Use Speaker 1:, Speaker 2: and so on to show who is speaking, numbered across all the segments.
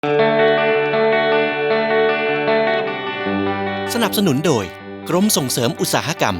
Speaker 1: สนับสนุนโดยกรมส่งเสริมอุตสาหกรรม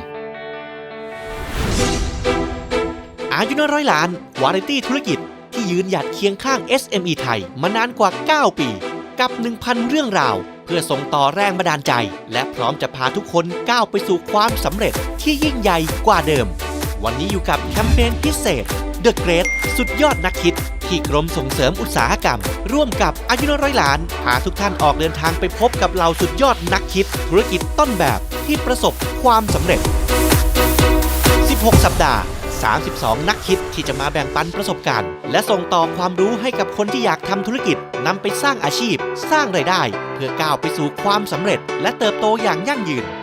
Speaker 1: อายุน้อยร้อยล้านวาไรตี้ธุรกิจที่ยืนหยัดเคียงข้าง SME ไทยมานานกว่า 9 ปีกับ 1,000 เรื่องราวเพื่อส่งต่อแรงบันดาลใจและพร้อมจะพาทุกคนก้าวไปสู่ความสำเร็จที่ยิ่งใหญ่กว่าเดิมวันนี้อยู่กับแคมเปญพิเศษ The Great สุดยอดนักคิดที่กรมส่งเสริมอุตสาหกรรมร่วมกับอายุน้อยร้อยล้านพาทุกท่านออกเดินทางไปพบกับเหล่าสุดยอดนักคิดธุรกิจต้นแบบที่ประสบความสำเร็จ 16 สัปดาห์ 32 นักคิดที่จะมาแบ่งปันประสบการณ์และส่งต่อความรู้ให้กับคนที่อยากทำธุรกิจนำไปสร้างอาชีพสร้างรายได้เพื่อก้าวไปสู่ความสำเร็จและเติบโตอย่างยั่งยืน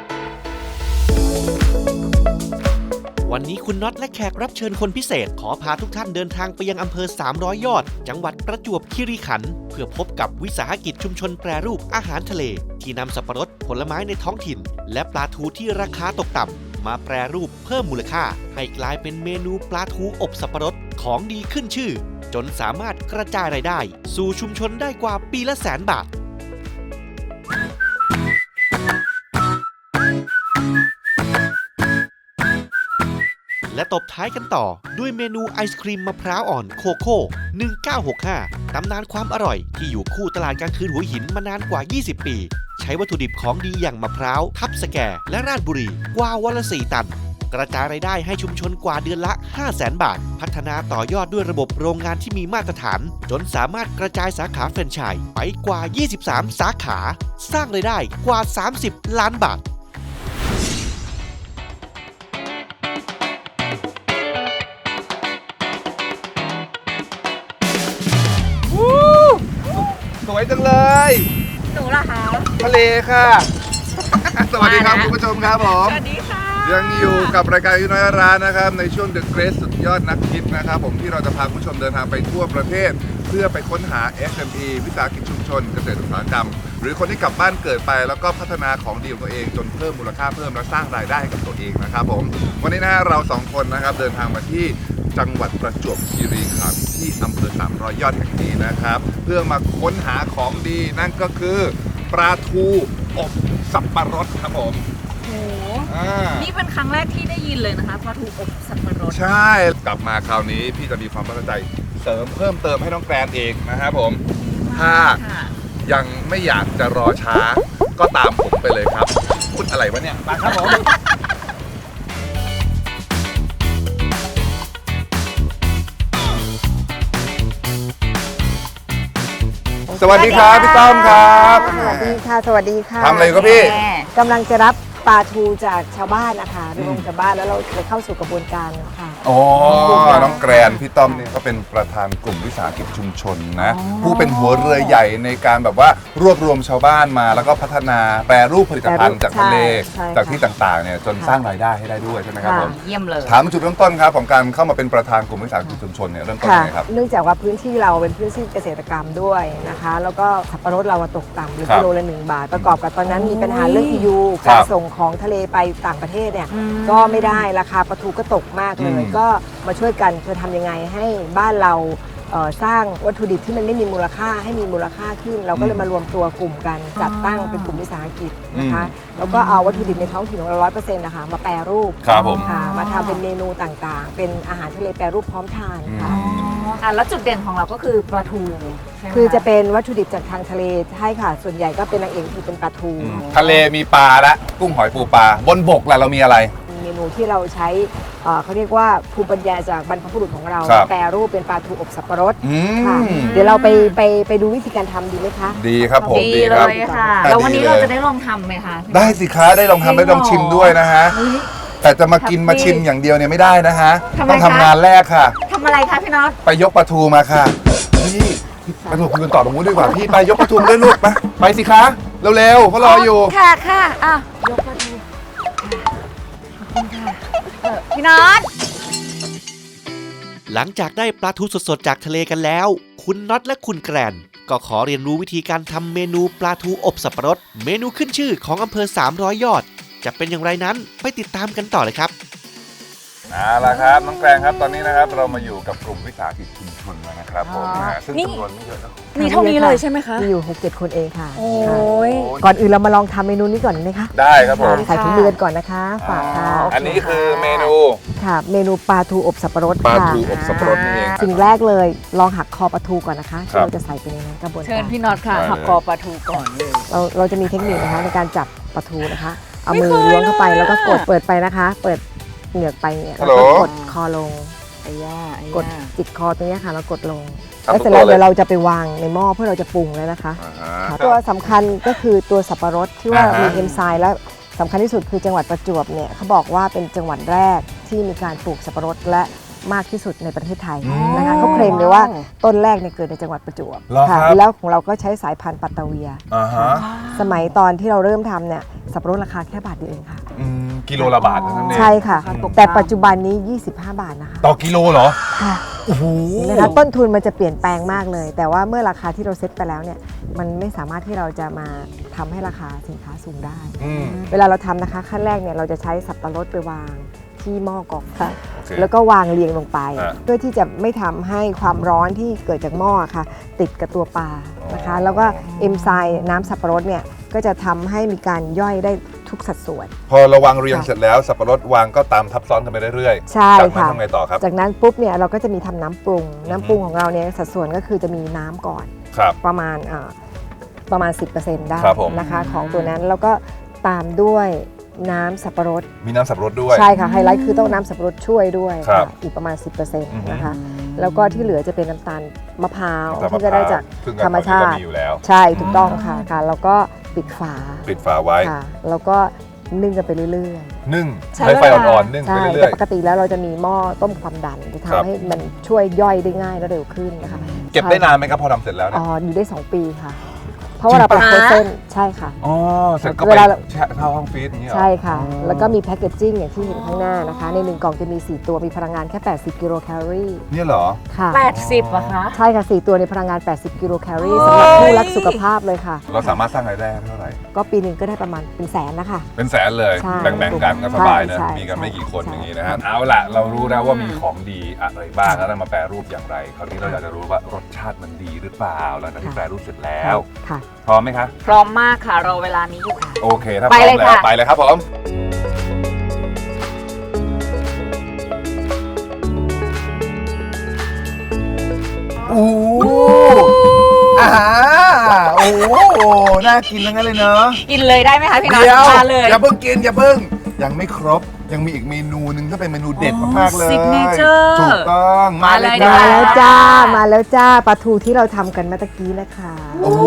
Speaker 1: วันนี้คุณน็อตและแขกรับเชิญคนพิเศษขอพาทุกท่านเดินทางไปยังอำเภอ300 ยอดจังหวัดประจวบคีรีขันธ์เพื่อพบกับวิสาหกิจชุมชนแปรรูปอาหารทะเลที่นำสับปะรดผลไม้ในท้องถิ่นและปลาทูที่ราคาตกต่ำมาแปรรูปเพิ่มมูลค่าให้กลายเป็นเมนูปลาทูอบสับปะรดของดีขึ้นชื่อจนสามารถกระจายรายได้สู่ชุมชนได้กว่าปีละ100,000 บาทและตบท้ายกันต่อด้วยเมนูไอศครีมมะพร้าวอ่อนโคโค่ 1965 ตำนานความอร่อยที่อยู่คู่ตลาดกลางคืนหัวหินมานานกว่า 20 ปี ใช้วัตถุดิบของดีอย่างมะพร้าวทับสแกและราชบุรีกว่าวันละ 4 ตัน กระจายรายได้ให้ชุมชนกว่าเดือนละ 500,000 บาท พัฒนาต่อยอดด้วยระบบโรงงานที่มีมาตรฐานจนสามารถกระจายสาขาแฟรนไชส์ไปกว่า 23 สาขา สร้างรายได้กว่า 30 ล้านบาท
Speaker 2: สวยจังเลย
Speaker 3: หนูล่ะคะ
Speaker 2: ทะเลค่ะ สวัสดีครับคุณผู้ชมครับผม
Speaker 3: สวัสดีค่ะ
Speaker 2: ยังอยู่กับรายการอายุน้อยร้านนะครับในช่วง The Great สุดยอดนักคิดนะครับผมที่เราจะพาคุณผู้ชมเดินทางไปทั่วประเทศเพื่อไปค้นหา SME วิสาหกิจชุมชนเกษตรอุตสาหกรรมหรือคนที่กลับบ้านเกิดไปแล้วก็พัฒนาของดีของตัวเองจนเพิ่มมูลค่าเพิ่มและสร้างรายได้ให้กับตัวเองนะครับผมวันนี้นะฮะเรา2คนนะครับเดินทางมาที่จังหวัดประจวบคีรีขันธ์ที่อำเภอ300 ยอดแห่งนี้นะครับเพื่อมาค้นหาของดีนั่นก็คือปลาทูอบสับปะรดครับผม
Speaker 3: โอ้โหนี่เป็นครั้งแรกที่ได้ยินเลยนะคะปลาทูอบสับปะรด
Speaker 2: ใช่กลับมาคราวนี้พี่จะมีความตั้งใจเสริมเพิ่มเติมให้น้องแกรนเองนะครับผมถ้ายังไม่อยากจะรอช้าก็ตามผมไปเลยครับพูดอะไรวะเนี่ยมาครับผมสวัสดีครับพี่ต้อมครับ
Speaker 4: สวัสดีค่ะสวัสดีค่ะ
Speaker 2: ทำอะไรครับพี่
Speaker 4: กำลังจะรับปลาทูจากชาวบ้านนะคะรวมชาวบ้านแล้วเราจะเข้าสู่กระบวนการค่ะ
Speaker 2: อ๋อน้องแกรนพี่ต้อมเนี่ยก็เป็นประธานกลุ่มวิสาหกิจชุมชนนะผู้เป็นหัวเรือใหญ่ในการแบบว่ารวบรวมชาวบ้านมาแล้วก็พัฒนาแปรรูปผลิตภัณฑ์จากทะเลจากที่ต่างๆเนี่ยจนสร้างรายได้ให้ได้ด้วยใช่ไหมครับผม
Speaker 3: เยี่ยมเลย
Speaker 2: ถามจุดเริ่มต้นครับของการเข้ามาเป็นประธานกลุ่มวิสาหกิจชุมชนเนี่ยเริ่มต้นยังไงครับ
Speaker 4: เนื่องจากว่าพื้นที่เราเป็นพื้นที่เกษตรกรรมด้วยนะคะแล้วก็สับปะรดเราตกต่ำหรือกิโลละ1 บาทประกอบกับตอนนั้นมีปัญหาเรื่อง EU การส่งของทะเลไปต่างประเทศเนี่ยก็ไม่ได้ราคาปลาทูก็ตกมากเลยก็มาช่วยกันจะทำยังไงให้บ้านเราสร้างวัตถุดิบที่มันไม่มีมูลค่าให้มีมูลค่าขึ้นเราก็เลยมารวมตัวกลุ่มกันจัดตั้งเป็นกลุ่มวิสาหกิจนะคะแล้วก็เอาวัตถุดิบในท้องถิ่นของเรา 100% นะคะมาแปรรูป
Speaker 2: ครับผม
Speaker 4: ค่ะมาทำเป็นเมนูต่างๆ เป็นอาหารทะเลแปรรูปพร้อมทานค่ะ
Speaker 3: แล้วจุดเด่นของเราก็คือปลาทูใช่ไหม
Speaker 4: คือจะเป็นวัตถุดิบจากทางทะเลใช่ค่ะส่วนใหญ่ก็เป็นนางเอกคือเป็นปลาทู
Speaker 2: ทะเลมีปลาและกุ้งหอยปูปลาบนบกล่ะเรามีอะไร
Speaker 4: เมนูที่เราใช้เขาเรียกว่าภูมิปัญญาจากบรรพบุรุษของเรา
Speaker 2: ครับ
Speaker 4: แปรรูปเป็นปลาทูอบสับปะรด
Speaker 2: อืม
Speaker 4: ค่ะเดี๋ยวเราไปดูวิธีการทำดีไหมคะ
Speaker 2: ดีครับผม
Speaker 3: ดี
Speaker 2: ค
Speaker 3: เล
Speaker 2: รับ
Speaker 3: ยค่ะ
Speaker 2: ดีเลย
Speaker 3: แล้ววันนี้เราจะได้ลองทำไหมคะ
Speaker 2: ได้สิคะได้ลองทำได้ลองชิมด้วยนะฮะ
Speaker 3: เฮ้ย
Speaker 2: แต่จะมากินมาชิมอย่างเดียวเนี่ยไม่ได้นะฮะ
Speaker 3: ทำไม
Speaker 2: ต้อง
Speaker 3: คะ
Speaker 2: ทำงานแรกค่ะ
Speaker 3: ทำอะไรคะพี่น็อต
Speaker 2: ไปยกปลาทูมาค่ะพี่ไปถูกคุยกันต่อตรงนู้นดีกว่าพี่ไปยกปลาทูมาด้วยลูกไปสิคะเร็วๆเขารออยู่
Speaker 3: ค่ะค่ะอ่ะยกปลาทูพี่น็อต
Speaker 1: หลังจากได้ปลาทูสดๆจากทะเลกันแล้ว คุณน็อตและคุณแกรนก็ขอเรียนรู้วิธีการทำเมนูปลาทูอบสับปะรดเมนูขึ้นชื่อของอำเภอ300 ยอดจะเป็นอย่างไรนั้นไปติดตามกันต่อเลยครับ
Speaker 2: เอาละครับน้องแกรงครับตอนนี้นะครับเรามาอยู่กับกลุ่มวิสาหกิจชุมชนแล้วนะนะครับผมนะฮะซึ่ง
Speaker 3: นี่
Speaker 2: จำนวนไม่เยอะนะ
Speaker 3: มีเท่านี้เลยใช่ไหมคะ
Speaker 4: มีอยู่ 6-7 คนเองค่ะ
Speaker 3: โอ้
Speaker 4: ค่ะ
Speaker 3: ย
Speaker 4: ก่อนอื่นเรามาลองทำเมนูนี้ก่อนไหมคะ
Speaker 2: ได้ครับผม
Speaker 4: ใส่ถุงมือกันก่อนนะคะฝากค่ะ
Speaker 2: อันนี้คือเมนู
Speaker 4: ค่ะ เมนูปลาทูอบสับปะรด
Speaker 2: ปลา
Speaker 4: ค่ะ
Speaker 2: ทูอบสับปะรดนี่เอง
Speaker 4: สิ่งแรกเลยลองหักคอปลาทูก่อนนะคะ
Speaker 2: ครับ
Speaker 4: ที่เราจะใส่ไปในนั้นกระบวน
Speaker 3: เชิ
Speaker 4: กา
Speaker 3: ญ
Speaker 4: ร
Speaker 3: พี่น็อตค่ะ
Speaker 2: ได้เลย
Speaker 3: หักคอปลาทูก่อนเลย
Speaker 4: เราจะมีเทคนิคนะคะในการจับปลาทูนะคะ เอา
Speaker 3: ไม่
Speaker 4: มือ
Speaker 3: เคย
Speaker 4: ล้วงเข้าไป
Speaker 3: เลย
Speaker 4: แล้วก็กด
Speaker 3: อะ
Speaker 4: เปิดไปนะคะ เปิดเหงือกไปเนี่ย
Speaker 2: ฮั
Speaker 4: แล้
Speaker 2: ล
Speaker 4: ว
Speaker 2: โหล
Speaker 4: ก็กดคอลง
Speaker 3: ไอ้ย่าไอ้
Speaker 4: กด
Speaker 3: ย่า
Speaker 4: จิกคอตรงเนี้ยค่ะแล้วกดลง
Speaker 2: ทำ
Speaker 4: แล้วเสร็จ
Speaker 2: ทุ
Speaker 4: แล้ว
Speaker 2: กตัวเลย
Speaker 4: เดี๋ยวเราจะไปวางในหม้อเพื่อเราจะปรุงแล้วนะคะ
Speaker 2: อ่า
Speaker 4: ค่ะ
Speaker 2: ฮะ
Speaker 4: ตัวสำคัญก็คือตัวสับปะรดที่ว่า
Speaker 2: อ่าฮะ
Speaker 4: มีเอนไซม์และสำคัญที่สุดคือจังหวัดประจวบเนี่ยเขาบอกว่าเป็นจังหวัดแรกที่มีการปลูกสับปะรดและมากที่สุดในประเทศไทยนะคะเขาเคลมเลยว่าต้นแรกเนี่ยเกิดในจังหวัดประจวบ
Speaker 2: เหรอครับ
Speaker 4: แล้วของเราก็ใช้สายพันธุ์ปัตตาเวีย
Speaker 2: อ่าฮะ
Speaker 4: สมัยตอนที่เราเริ่มทำเนี่ยสับปะรดราคาแค่บาทเดียวเองค่ะ
Speaker 2: กิโลละบาทเท่านั้นเอง
Speaker 4: ใช่ค่ะ แต่ปัจจุบันนี้ 25 บาทนะคะ
Speaker 2: ต่อกิโลเหรอ
Speaker 4: ค่ะ
Speaker 2: โอ้โห
Speaker 4: นะคะต้นทุนมันจะเปลี่ยนแปลงมากเลย แต่ว่าเมื่อราคาที่เราเซ็ตไปแล้วเนี่ยมันไม่สามารถที่เราจะมาทำให้ราคาสินค้าสูงได้
Speaker 2: อืม
Speaker 4: เวลาเราทำนะคะขั้นแรกเนี่ยเราจะใช้สับปะรดไปวางที่หม้อกอกค่ะ
Speaker 2: โอเค
Speaker 4: แล้วก็วางเรียงลงไป
Speaker 2: อ่ะ
Speaker 4: เพื่อที่จะไม่ทำให้ความร้อนที่เกิดจากหม้อค่ะ ติดกับตัวปลานะคะ แล้วก็เอนไซม์น้ำสับปะรดเนี่ยก็จะทำให้มีการย่อยได้ทุกสัดส่วน
Speaker 2: พอเราวางเรียงเสร็จแล้วสับปะรดวางก็ตามทับซ้อนกันไปเรื่อยๆ
Speaker 4: ใช่
Speaker 2: จากนั้น
Speaker 4: ค่ะ
Speaker 2: ทำไงต่อครับ
Speaker 4: จากนั้นปุ๊บเนี่ยเราก็จะมีทำน้ำปรุง น้ำปรุงของเราเนี่ยสัดส่วนก็คือจะมีน้ำก่อน
Speaker 2: ครับ
Speaker 4: ประมาณ10%ได้
Speaker 2: ครับผม
Speaker 4: นะคะของตัวนั้นแล้วก็ตามด้วยน้ำสับปะรด
Speaker 2: มีน้ำสับปะรดด้วย
Speaker 4: ใช่ค่ะไฮไลท์คือต้องน้ำสับปะรดช่วยด้วย
Speaker 2: ครับ
Speaker 4: ค่ะอีกประมาณ 10%
Speaker 2: อือฮึ
Speaker 4: นะคะแล้วก็ที่เหลือจะเป็นน้ำตาลมะพร้าว
Speaker 2: น้ำตาล
Speaker 4: ที่จะได้จาก
Speaker 2: ซึ่ง
Speaker 4: ธรรมชา
Speaker 2: ก็
Speaker 4: ติ
Speaker 2: มีอยู่แล้ว
Speaker 4: ใช่ถูกต้องค่ะค่ะแล้วก็ปิดฝา
Speaker 2: ปิดฝาไว้
Speaker 4: ค่ะแล้วก็นึ่งกันไปเรื่อย
Speaker 2: นึ่ง
Speaker 3: ใช้
Speaker 2: ใช้ไฟ
Speaker 3: เวลา
Speaker 2: อ่อนๆนึ่ง
Speaker 4: ๆ
Speaker 2: ไป
Speaker 4: ใช่
Speaker 2: เรื่
Speaker 4: แต่
Speaker 2: อย
Speaker 4: ปกติแล้วเราจะมีหม้อต้มความดันจะ
Speaker 2: ครับ
Speaker 4: ทำให้มันช่วยย่อยได้ง่ายและเร็วขึ้นนะคะ
Speaker 2: ๆ เก็บได้นานไหมครับพอทำเสร็จแล้วเนี่ย
Speaker 4: อ๋ออยู่ได้ 2 ปีค่ะ เพราะว่าเราเป็น
Speaker 3: จริ
Speaker 4: โฟ
Speaker 3: งปะ
Speaker 4: รเซนใช่ค่ะ
Speaker 2: อ๋อ เสร็จก็
Speaker 4: เว
Speaker 2: ไป
Speaker 4: ลา
Speaker 2: แช่เข้าห้องฟรีซอย่างนี้เหรอ
Speaker 4: ใช่ค่ะ
Speaker 2: อ๋อ
Speaker 4: แล้วก็มีแพคเกจจิ้งอย่างที่เห็นข้างหน้านะคะ ใน1กล่องจะมี 4 ตัวมีพลังงานแค่ 80 กิโลแคลอรี่
Speaker 2: เนี่ยเหรอ
Speaker 4: ค่ะ
Speaker 3: 80อะคะ
Speaker 4: ใช่ค่ะ 4 ตัวในพลังงาน 80 กิโลแคลอรี่สำหรับผู้รักสุขภาพเลยค่ะ
Speaker 2: เราสามารถสร้างรายได้เท่าไหร่
Speaker 4: ก็ปีหนึ่งก็ได้ประมาณเป็นแสนนะคะ
Speaker 2: เป็นแสนเลย
Speaker 4: ใช่
Speaker 2: แบ่งๆกันก็สบายนะ
Speaker 4: ใช่
Speaker 2: มีกันไม่กี่คน
Speaker 4: ใช่
Speaker 2: อย่างนี้นะฮะ เอาล่ะ เรารู้แล้วว่ามีของดีอะไรบ้างแล้วนำมาแปรรูปอย่างไร คราวนี้เราอยากจะรู้ว่ารสชาติมันดีหรือเปล่าหลังจากที่แปรรูปเสร็จแล้ว
Speaker 4: ค่ะ
Speaker 2: พร้อมไหมคะ
Speaker 3: พร้อมมากค่ะรอเวลานี้อยู่ค่ะ
Speaker 2: โอเค ถ้าพ
Speaker 3: ไป
Speaker 2: ร้อ
Speaker 3: เล
Speaker 2: ม
Speaker 3: ย
Speaker 2: แล้ว
Speaker 3: ค่ะ
Speaker 2: ไปเลยครับผม โอ้โอ้น่ากินทั้งนั้นเลยเนอะ
Speaker 3: กินเลยได้ไหมคะพี่น็อต
Speaker 2: เดี๋ยว
Speaker 3: มาเลย
Speaker 2: อย่าเพิ่งกินอย่าเพิ่ง ยังไม่ครบ ยังมีอีกเมนูหนึงที่เป็นเมนูเด็ดมากๆเลย
Speaker 3: Signature
Speaker 2: ถูกต้องมาเลย
Speaker 3: มา
Speaker 4: มา
Speaker 3: เลย
Speaker 4: แล้วจ้า มาแล้วจ้าปลาทูที่เราทำกันเมื่อตะกี้นะคะ
Speaker 2: โอ้โห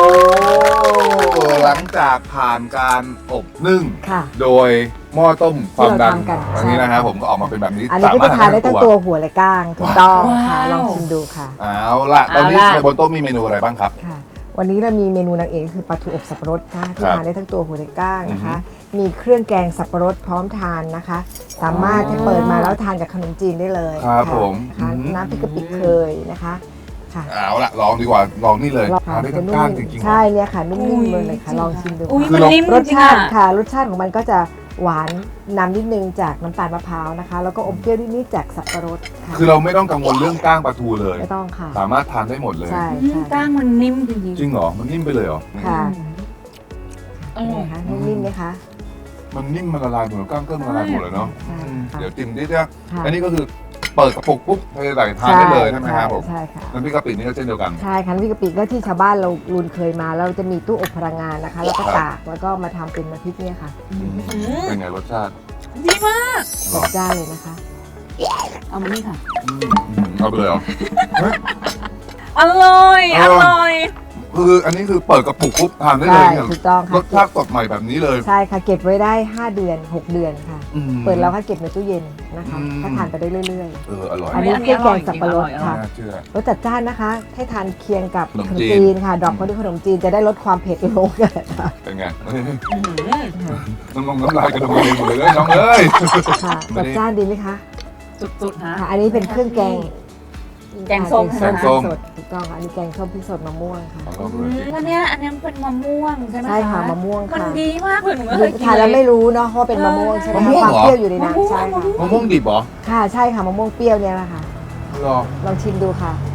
Speaker 2: หลังจากผ่านการอบนึ่ง
Speaker 4: ค่ะ
Speaker 2: โดยหม้อต้มความดัน
Speaker 4: ที่เราทำกัน
Speaker 2: อันนี้นะครับผมก็ออกมาเป็นแบบนี้
Speaker 4: อันนี้ก็จะทานได้ทั้งตัวหัวและก้างถูกต้องค่ะ ลองชิมดูค่ะ
Speaker 2: เอาล่ะตอนนี้
Speaker 3: เอาล่ะ
Speaker 2: ในบนโต๊ะมีเมนูอะไรบ้างครับ
Speaker 4: ค่ะ วันนี้เรามีเมนูนางเอกคือปลาทูอบสับปะรดค่ะที่
Speaker 2: ครับ
Speaker 4: ทานได้ทั้งตัวหัวและก้างนะคะ มีเครื่องแกงสับปะรดพร้อมทานนะคะ สามารถที่เปิดมาแล้วทานกับขนมจีนได้เลย
Speaker 2: ครับ
Speaker 4: ะ
Speaker 2: ผม
Speaker 4: นะคะ
Speaker 2: อืม
Speaker 4: น้ำพริกกะปิเคยนะคะค่ะ
Speaker 2: เอาล่ะลองดีกว่าลองนี่เลย
Speaker 4: ลอง
Speaker 2: ทานได้
Speaker 4: จะ
Speaker 2: ทั้ง
Speaker 4: นุ่
Speaker 2: ก้าง
Speaker 4: ม
Speaker 2: จริงๆ
Speaker 4: ใช่เนี่ยค่ะนุ่มๆเลยค่ะลองชิมดู
Speaker 3: อุ้ย
Speaker 2: คือ
Speaker 3: มัน
Speaker 2: เรา
Speaker 3: นิ่ม
Speaker 4: รส
Speaker 3: จริง
Speaker 4: ชา
Speaker 3: ๆ
Speaker 4: ติ
Speaker 3: อะ
Speaker 4: ค่ะรสชาติของมันก็จะหวานนำนิดนึงจากน้ำตาลมะพร้าวนะคะ แล้วก็อมเปรี้ยวนิดๆจากสับปะรดค่ะ
Speaker 2: คือเราไม่ต้องกังวลเรื่องก้างปลาทูเลย
Speaker 4: ไม่ต้องค่ะ
Speaker 2: สามารถทานได้หมดเลย
Speaker 4: ใช่
Speaker 3: อืม
Speaker 4: ใช่
Speaker 3: กล้างมันนิ่มจริง
Speaker 2: จริงเหรอ มันนิ่มไปเลยเหรอ
Speaker 4: ค่ะ
Speaker 3: ๆอ
Speaker 4: เป็น
Speaker 3: ร่อ
Speaker 4: ไง
Speaker 3: ย
Speaker 4: คะนิ่มๆไหมคะ
Speaker 2: มันนิ่มมันละลายหมดก้างก็ละลายหมดเลยเนาะ
Speaker 4: ใช่
Speaker 2: เดี๋ยว
Speaker 4: ค่ะ
Speaker 2: จิ้มนิดเดียว
Speaker 4: ค่ะ
Speaker 2: อันนี้ก็คือเปิดกระปุกปุ๊บเทใส่ทานได้เลยใช่ไหมครับผม
Speaker 4: ใช่ค่ะ
Speaker 2: น้ำพริกกะปินี่ก็เช่นเดียวกัน
Speaker 4: ใช่ค่ะน้ำพริกกะปิก็ที่ชาวบ้านเราลุนเคยมาแล้วจะมีตู้อบพลังงานนะคะ แล้วก็
Speaker 2: ครับ
Speaker 4: ตากแล้วก็มาทำเป็นน้ำพริกเนี่ยค่ะ
Speaker 2: เป็นไงรสชาติ
Speaker 3: ดีมาก
Speaker 4: จัดจ้านเลยนะคะ
Speaker 3: เอามานี่ค่ะ
Speaker 2: เอาไปเลยเหรอเฮ้ย
Speaker 3: อร่อย
Speaker 2: เอ
Speaker 3: อ
Speaker 2: อ
Speaker 3: ร่อย
Speaker 2: คืออันนี้คือเปิดกระปุกปุ๊บทานได้เลย
Speaker 4: ใช่
Speaker 2: เนี่ย
Speaker 4: ถูกต้อง
Speaker 2: ร
Speaker 4: ค่ะ
Speaker 2: สชาติสดใหม่แบบนี้เลย
Speaker 4: ใช่ค่ะเก็บไว้ได้ 5 เดือน 6 เดือนค่ะ
Speaker 2: อืม
Speaker 4: เปิดแล้วค่ะเก็บในตู้เย็นนะคะ
Speaker 2: อืม
Speaker 4: ก็ทานไปได้เรื่อย
Speaker 2: อร่อย
Speaker 4: ๆ อันนี้เครื่องแกงสับปะรด
Speaker 3: อร่อย
Speaker 4: ค่ะ
Speaker 2: น่าเชื่อ
Speaker 4: รสจัดจ้านนะคะ ให้ทานเคียงกับ
Speaker 2: ขนม
Speaker 4: ขนม
Speaker 2: จีน
Speaker 4: จีนค่ะดอกเขาด้วยขนมจีนจะได้ลดความเผ็ดลงกันค่ะ
Speaker 2: เป็นไง
Speaker 3: อื้อหือ
Speaker 2: น้ำลายกระดมเองหมดเลยน้องเอ้ย
Speaker 4: ค่ะจัดจ้านดีไหมคะ
Speaker 3: สุดๆฮะ
Speaker 4: ค่ะ อันนี้เป็นเครื่องแกง
Speaker 3: แกงส้ม
Speaker 4: แกง
Speaker 2: ส้
Speaker 4: ส้
Speaker 2: ม
Speaker 4: มสดถูกต้องค่ะอันนี้แกงส้มพริกสดมะม่วงค่ะ
Speaker 2: ลองดูหน่อยสิ
Speaker 3: อันเนี้ยเป็นมะม่วงใช่ไหม
Speaker 4: ใช่ค่ะมะม่วง
Speaker 3: มัน
Speaker 4: ค่ะ
Speaker 3: ดีมากเลยหนูไม่เคยกิน
Speaker 4: ทานแล้ว
Speaker 3: เล
Speaker 4: ไม่
Speaker 3: ย
Speaker 4: รู้เนาะว่าเป็นมะม่วงใช่ไหม
Speaker 2: มะม่วง
Speaker 4: ความ
Speaker 2: เหรอ
Speaker 4: เปรี้ยวอยู่ในนั้น
Speaker 3: มะม่วง
Speaker 4: ใช่ค่ะ
Speaker 2: มะม่วงดิบเหรอ
Speaker 4: ค่ะใช่ค่ะมะม่วงเปรี้ยวเนี่ยแหละค่ะ
Speaker 2: หรอ
Speaker 4: ลองชิมดูค่ะ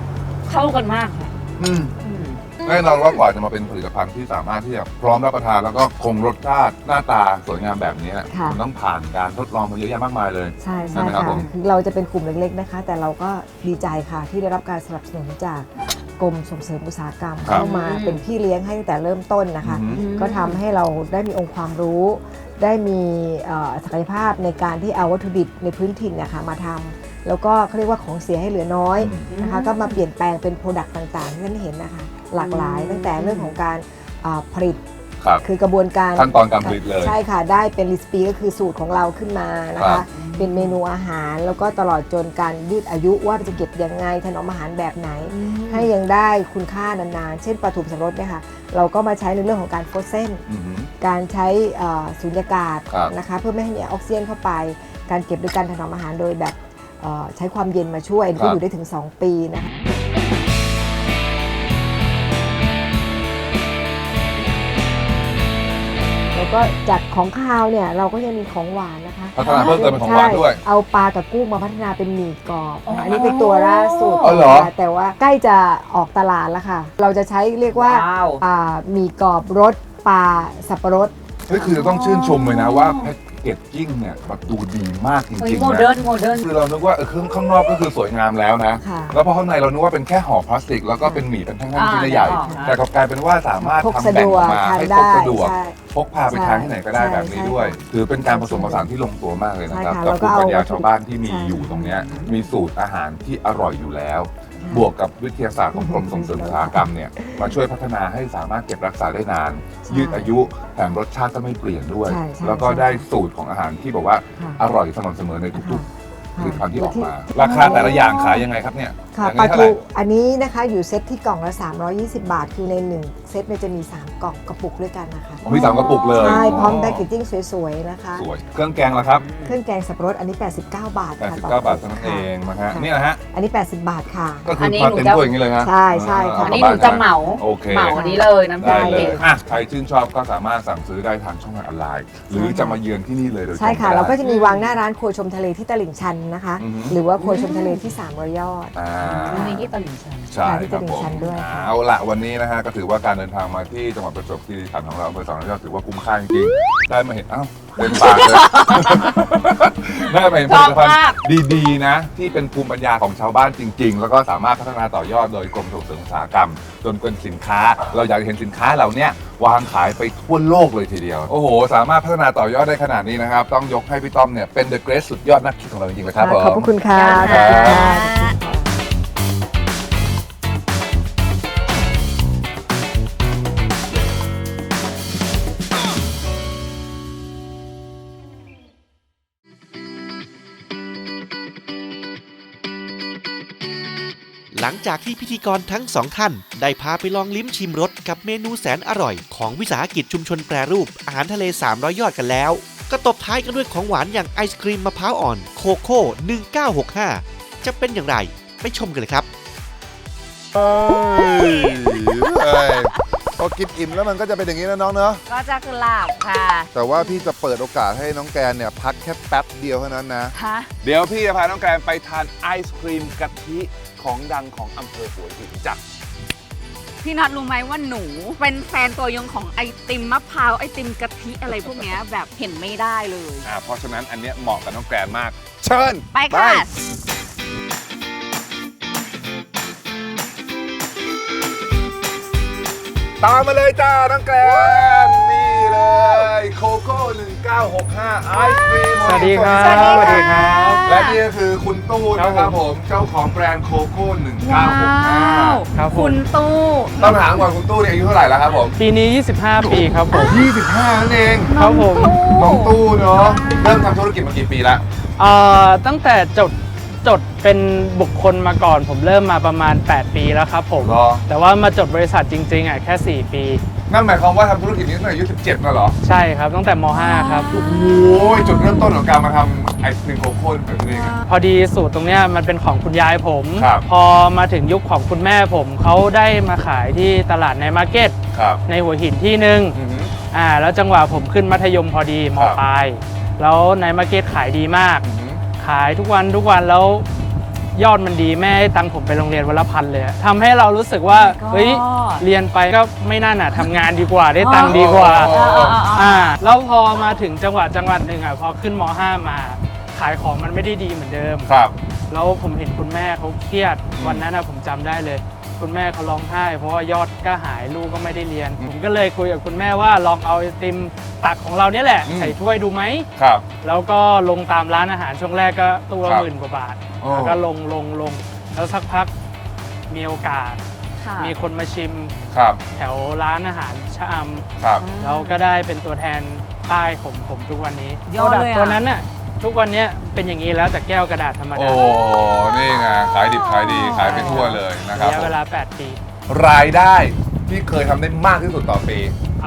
Speaker 3: เข้ากันมากค่ะ
Speaker 2: อืมแน่นอนว่ากว่าจะมาเป็นผลิตภัณฑ์ที่สามารถที่จะพร้อมรับประทานแล้วก็คงรสชาติหน้าตาสวยงามแบบนี้
Speaker 4: ค่ะ
Speaker 2: มันต้องผ่านการทดลองมาเยอะแยะมากมายเลย
Speaker 4: ใช่
Speaker 2: ใช่
Speaker 4: ใช่
Speaker 2: ไหมครับ
Speaker 4: ค่ะ
Speaker 2: ผม
Speaker 4: คือเราจะเป็นกลุ่มเล็กๆนะคะ แต่เราก็ดีใจค่ะที่ได้รับการสนับสนุนจากกรมส่งเสริมอุตสาหกรรม
Speaker 2: ครับ
Speaker 4: เข้ามาเป็นพี่เลี้ยงให้ตั้งแต่เริ่มต้นนะคะ
Speaker 2: อือฮึ
Speaker 4: ก็ทำให้เราได้มีองค์ความรู้ ได้มีศักยภาพในการที่เอาวัตถุดิบในพื้นถิ่นนะคะมาทำแล้วก็เขาเรียกว่าของเสียให้เหลือน้อยนะคะก็มาเปลี่ยนแปลงเป็นโปรดักต์ต่างๆที่ท่านเห็นนะคะหลากหลายตั้งแต่เรื่องของการผลิต
Speaker 2: ครับ
Speaker 4: คือกระบวนการ
Speaker 2: ขั้นตอนการผลิตเลย
Speaker 4: ใช่ค่ะได้เป็นรีสปีก็คือสูตรของเราขึ้นมานะ
Speaker 2: ครั
Speaker 4: คะ
Speaker 2: บ
Speaker 4: เป็นเมนูอาหารแล้วก็ตลอดจนการยืดอายุว่าจะเก็บยังไงถนอมอาหารแบบไหน ให้ยังได้คุณค่านานๆ เช่นปลาถูกสับปะรดเนี่ยค่ะเราก็มาใช้ในเรื่องของการโฟรเซน
Speaker 2: อือหือ
Speaker 4: การใช้สูญญากาศ
Speaker 2: ครับ
Speaker 4: นะคะเพื่อไม่ให้มีออกซิเจนเข้าไป การเก็บโดยการถนอมอาหารโดยแบบใช้ความเย็นมาช่วย
Speaker 2: ครั
Speaker 4: ก็
Speaker 2: บ
Speaker 4: อยู่ได้ถึง 2 ปีนะคะแล้วก็จากของคาวเนี่ยเราก็ยังมีของหวานนะคะ
Speaker 2: พัฒนาเพิ่มเติมเป็นของหวานด้วย
Speaker 4: ใช่เอาปลากับกุ้งมาพัฒนาเป็นหมี่กรอบ
Speaker 3: อ๋ออั
Speaker 4: อันนี้เป็นตัวล่าสุด
Speaker 2: อ๋อเหรอ
Speaker 4: นะคะแต่ว่าใกล้จะออกตลาดแล้วค่ะ เราจะใช้เรียกว่า
Speaker 3: ว้าว
Speaker 4: หมี่กรอบรสปลาสับปะรด
Speaker 2: เฮ้ยคือจะต้องชื่นชมเลยนะว่าแพ็กเกจจิ้งเนี่ยแบบดูดีมากจ
Speaker 3: เฮ้ย
Speaker 2: ริง
Speaker 3: โม
Speaker 2: ๆ
Speaker 3: เดิ
Speaker 2: นะ
Speaker 3: ร์นโมเดิร์น
Speaker 2: คือเรานึกว่าข้างนอกก็คือสวยงามแล้วนะ
Speaker 4: ค่ะ
Speaker 2: แล้วพอข้างในเรานึกว่าเป็นแค่ห่อพลาสติก แล้วก็เป็นหมี่เป็นแท่งๆชิ้นใหญ่
Speaker 3: อ่า
Speaker 2: ๆแต่กลับกลายเป็นว่าสามารถ
Speaker 4: พก
Speaker 2: ทำ
Speaker 4: สะ
Speaker 2: แบ่
Speaker 4: ด
Speaker 2: ง
Speaker 4: ว
Speaker 2: อก อกมา
Speaker 4: ทาน
Speaker 2: ให้พ
Speaker 4: ได้
Speaker 2: กสะดวก
Speaker 4: ใช่
Speaker 2: พกพาไปทานที่ไหนก็ได้
Speaker 4: ใช่
Speaker 2: แบบนี้
Speaker 4: ใช่
Speaker 2: ด้วย ถือเป็นการผสมผสานที่ลงตัวมากเลยนะครับ
Speaker 4: ใช่ค่ะ
Speaker 2: กับ
Speaker 4: แล้วก็
Speaker 2: ภูมิปัญญา
Speaker 4: เอา
Speaker 2: ชาวบ้านที่มี
Speaker 4: ใช่
Speaker 2: อยู่ตรงเนี้ยมีสูตรอาหารที่อร่อยอยู่แล้ว บวกกับวิทยาศาสตร์ของกรมส่งเสริมอุตสาหกรรมเนี่ยมาช่วยพัฒนาให้สามารถเก็บรักษาได้นาน ยืดอายุแถมรสชาติก็ไม่เปลี่ยนด้วย
Speaker 4: ใช่ใช่
Speaker 2: แล้วก็ได้สูตรของอาหารที่บอกว่า
Speaker 4: ค่ะ
Speaker 2: อร่อยสม่ำเสมอในทุกๆผ
Speaker 4: ค่ะ
Speaker 2: ลิตภัณฑ์ที่ออกมา
Speaker 4: ที่
Speaker 2: ราคาแต่ละอย่างขายยังไงครับเนี่ย
Speaker 4: ค่ะ
Speaker 2: อย่าง
Speaker 4: ปลา
Speaker 2: นี้เท่าไห
Speaker 4: ทู
Speaker 2: ร่
Speaker 4: อันนี้นะคะอยู่เซตที่กล่องละ320 บาท คือใน 1 เซตเนี่ยจะมี 3 กล่องกระปุกด้วยกันนะคะ
Speaker 2: ผมมี3กระปุกเลย
Speaker 4: ใช่พร้อมแพคเกจจิ้งสวยๆนะคะ
Speaker 2: สวย เครื่องแกงล่ะครับ
Speaker 4: เครื่องแกงสับปะรดอันนี้ 89 บาทค่ะ
Speaker 2: 89
Speaker 4: ต่
Speaker 2: บาทเท่านั้นเองนะฮะ
Speaker 4: ค่
Speaker 2: นี่นะฮะ
Speaker 4: อันนี้ 80 บาทค่ะ
Speaker 2: ก็คื
Speaker 3: อั
Speaker 2: อน
Speaker 3: นี้
Speaker 2: มา
Speaker 3: หนู
Speaker 2: เต็ม
Speaker 3: จะ
Speaker 2: ถ้วยอย่างนี้เลยนะ
Speaker 4: ใช่ใช่ค่ะ
Speaker 3: อันนี้หนูจะเหมา
Speaker 2: โอเค
Speaker 3: เหมาอันนี้เลยน้ำ
Speaker 2: ได้
Speaker 3: ยา
Speaker 2: เล
Speaker 3: เด็
Speaker 2: ย
Speaker 3: ด
Speaker 2: อ่ะใครชื่นชอบก็สามารถสั่งซื้อได้ทางช่องทางออนไลน์ หรือจะมาเยือนที่นี่เลยโดยตรง
Speaker 4: ใช่ค่ะ
Speaker 2: ได้
Speaker 4: เราก็จะมีวางหน้าร้านครัวชมทะเลที่ตลิ่งชันนะคะ
Speaker 2: อือฮึ
Speaker 4: หรือว่าครัวชมทะเลที่300 ยอด
Speaker 2: อ่า
Speaker 3: มีที่ตลิ่งชัน
Speaker 2: ใช่
Speaker 4: ที่
Speaker 2: ครับ
Speaker 4: ตลิ่
Speaker 2: ผ
Speaker 4: ง
Speaker 2: ม
Speaker 4: ชันด้วยค่ะ
Speaker 2: เอาละวันนี้นะฮะก็ถือว่าการเดินทางมาที่จังหวัดประจวบคีรีขันธ์ของเราอำเภอสองยอดถือว่าคุ้มค่าจริงๆได้มาเห็นอ้าวเต็มปากเลย ได้มาเห็นผลิตภัณฑ์ดีๆนะ ที่เป็นภูมิปัญญาของชาวบ้านจริง ๆ แล้วก็สามารถพัฒนาต่อยอดโดยกรมส่งเสริมอุตสาหกรรม จนเป็นสินค้า เราอยากเห็นสินค้าเหล่าเนี้ยวางขายไปทั่วโลกเลยทีเดียว โอ้โห สามารถพัฒนาต่อยอดได้ขนาดนี้นะครับ ต้องยกให้พี่ต้อมเนี่ยเป็น The Great สุดยอดนักคิดของเราจริงๆเลยครับผม
Speaker 4: ขอบพระคุณค่ะ
Speaker 3: ขอบคุณค่ะ
Speaker 1: หลังจากที่พิธีกรทั้งสองท่าน ได้พาไปลองลิ้มชิมรสกับเมนูแสนอร่อยของวิสาหกิจชุมชนแปรรูปอาหารทะเล300 ยอดกันแล้ว ก็ตบท้ายกันด้วยของหวานอย่างไอศครีมมะพร้าวอ่อนโคโค่1965 จะเป็นอย่างไรไปชมกันเลยครับ
Speaker 2: พอกินอิ่มแล้วมันก็จะเป็นอย่างนี้นะน้องเนอะ
Speaker 3: ก็จะคือหลาบค่ะ
Speaker 2: แต่ว่าพี่จะเปิดโอกาสให้น้องแกนเนี่ยพักแค่แป๊บเดียวเท่านั้นนะ
Speaker 3: ฮะ
Speaker 2: เดี๋ยวพี่จะพาน้องแกนไปทานไอศครีมกะทิของดังของอำเภอหัวหินจ้ะ
Speaker 3: พี่นัทรู้ไหมว่าหนูเป็นแฟนตัวยงของไอติมมะพร้าวไอติมกะทิอะไรพวกเนี้ยแบบเห็นไม่ได้เลย
Speaker 2: เพราะฉะนั้นอันเนี้ยเหมาะกับน้องแกนมาก เชิญ
Speaker 3: ไปค่ะ
Speaker 2: ตามมาเลยจ้าน้องแกนนี่เลยโคโค่1965ไอศครีม
Speaker 5: สวัสดีครับ
Speaker 3: สวัสดีค่ะ
Speaker 2: และนี่ก็คือคุณตู้นะครับผมเจ้าของแบรนด์โคโค่
Speaker 3: ว้าว
Speaker 2: 1965
Speaker 5: ครับผม
Speaker 3: คุณตู้
Speaker 2: ต้องถามก่อนคุณตู้เนี่ยอายุเท่าไหร่แล้วครับผม
Speaker 5: ปีนี้ 25 ปีครับผม
Speaker 2: 25นั่นเอง
Speaker 5: ครับผม
Speaker 2: น้องตู้เนาะเริ่มทำธุรกิจมากี่ปีแล้ว
Speaker 5: ตั้งแต่จดเป็นบุคคลมาก่อน ผมเริ่มมาประมาณ 8 ปีแล้วครับผม
Speaker 2: เหรอ
Speaker 5: แต่ว่ามาจดบริษัทจริงๆแค่ 4 ปี
Speaker 2: นั่นหมายความว่าทำธุรกิจนี้ตั้งแต่อายุ17น่ะเหรอ
Speaker 5: ใช่ครับตั้งแต่ม .5 ครับ
Speaker 2: โอ้ยจุดเริ่มต้นของการมาทำไอศครีมโคโค่เป็นยังไง
Speaker 5: พอดีสูตรตรงเนี้ยมันเป็นของคุณยายผม
Speaker 2: ครับ
Speaker 5: พอมาถึงยุคของคุณแม่ผมเขาได้มาขายที่ตลาดในมาร์เก็ต
Speaker 2: ครับ
Speaker 5: ในหัวหินที่หนึ่ง
Speaker 2: อือหือ
Speaker 5: แล้วจังหวะผมขึ้นมัธยมพอดีม
Speaker 2: ครับ
Speaker 5: ปลายแล้วในมาร์เก็ตขายดีมาก
Speaker 2: อือหือ
Speaker 5: ขายทุกวันแล้วยอดมันดีแม่ให้ตังค์ผมไปโรงเรียนวันละ1,000เลยทำให้เรารู้สึกว่า
Speaker 3: Oh my god
Speaker 5: เฮ้ยเรียนไปก็ไม่น่าหนาทำงานดีกว่าได้ตังค์ดีกว่า แล้วพอมาถึงจังหวัดหนึ่งอ่ะพอขึ้นม.5 มาขายของมันไม่ได้ดีเหมือนเดิม
Speaker 2: ครับ
Speaker 5: แล้วผมเห็นคุณแม่เขาเครียดวันนั้นนะผมจำได้เลย คุณแม่เขาร้องไห้เพราะว่ายอดก็หายลูกก็ไม่ได้เรียน ผมก็เลยคุยกับคุณแม่ว่าลองเอาไอติมตักของเราเนี่ยแหละใส่ถ้วยดูไหม
Speaker 2: ครับ
Speaker 5: แล้วก็ลงตามร้านอาหารช่วงแรกก็ตู้ละ
Speaker 2: ครับ
Speaker 5: 10,000 กว่าบาท
Speaker 2: โอ้
Speaker 5: แล้วก็ลงแล้วสักพักมีโอกาส
Speaker 3: ค่ะ
Speaker 5: มีคนมาชิม
Speaker 2: ครับ
Speaker 5: แถวร้านอาหารชะอ
Speaker 2: ครับ
Speaker 5: ำแล้วก็ได้เป็นตัวแทนป้ายผมทุกวันนี้
Speaker 3: ยอดเลยอะ
Speaker 5: ตัวนั้นน่ะทุกวันเนี้ยเป็นอย่างนี้แล้วแต่แก้วกระดาษธรรม
Speaker 2: โอ้
Speaker 5: ดา
Speaker 2: นี่ไงขายดิบขายดีขายไปทั่วเลยนะครับ
Speaker 5: ระยะเวลา 8 ปี
Speaker 2: รายได้ที่เคยทำได้มากที่สุดต่อปี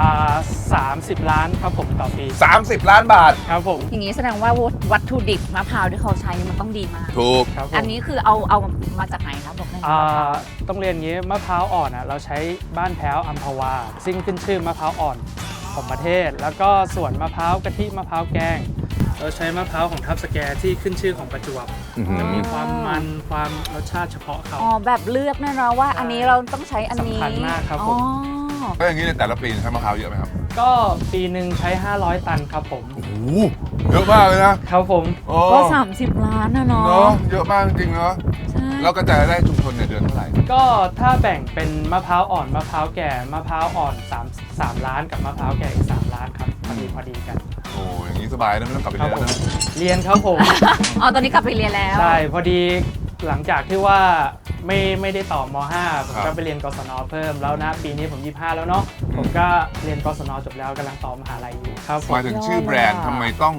Speaker 5: 30 ล้านครับผมต่อปี
Speaker 2: 30 ล้านบาท
Speaker 5: ครับผม
Speaker 3: อย่างนี้แสดงว่าวัตถุดิบมะพร้าวที่เขาใช้มันต้องดีมาก
Speaker 2: ถูก
Speaker 5: ครับผม
Speaker 3: อันนี้คือเอามาจากไหนครับบอกได้ไหม
Speaker 5: ต้องเรียนอย่างนี้มะพร้าวอ่อนเราใช้บ้านแพ้วอัมพวาซึ่งขึ้นชื่อมะพร้าวอ่อนของประเทศ แล้วก็ส่วนมะพร้าวกะทิมะพร้าวแกง เราใช้มะพร้าวของทับสแกที่ขึ้นชื่อของประจวบ
Speaker 2: อื้อหือ
Speaker 5: จะมีความมันความรสชาติเฉพาะเขา
Speaker 3: อ๋อแบบเลือกแน่นอนว่าอันนี้เราต้องใช้อันนี้
Speaker 5: สำคัญมากครับผม
Speaker 3: อ๋อ
Speaker 2: แล้วอย่างนี้ในแต่ละปีใช้มะพร้าวเยอะไหมครับ
Speaker 5: ก็ปีหนึ่งใช้ 500 ตันครับผม
Speaker 2: โอ้โหเยอะมากเลยนะครับ
Speaker 5: ผม
Speaker 2: โอ้
Speaker 3: ก็ 30 ล้านนะเนาะ
Speaker 2: เนาะเยอะมากจริงๆเนาะ
Speaker 3: ใช่
Speaker 2: แล้วกระจายรายได้ชุมชนเนี่ยเดือนเท่าไหร่
Speaker 5: ก็ถ้าแบ่งเป็นมะพร้าวอ่อนมะพร้าวแก่มะพร้าวอ่อน3 ล้านกับมะพร้าวแก่อีก3 ล้านครับพอดีกัน
Speaker 2: โอ้อย่างนี้สบายนะไม่ต้องกลับไป
Speaker 5: ครั
Speaker 2: เรียน
Speaker 5: ผม
Speaker 2: แล้วนะ
Speaker 5: เรียนครับผม
Speaker 3: อ๋อตอนนี้กลับไปเรียนแล้ว
Speaker 5: ใช่พอดีหลังจากที่ว่าไม่ได้ต่อม.5 ผมก็ไปเรียนกศนเพิ่มแล้วนะปีนี้ผม25แล้วเนาะผมก็เรียนกศนจบแล้วกำลังต่อมหาลัยอยู่ครับผม
Speaker 2: หมายถึงชื่อแบรนด์ทำไมต้อง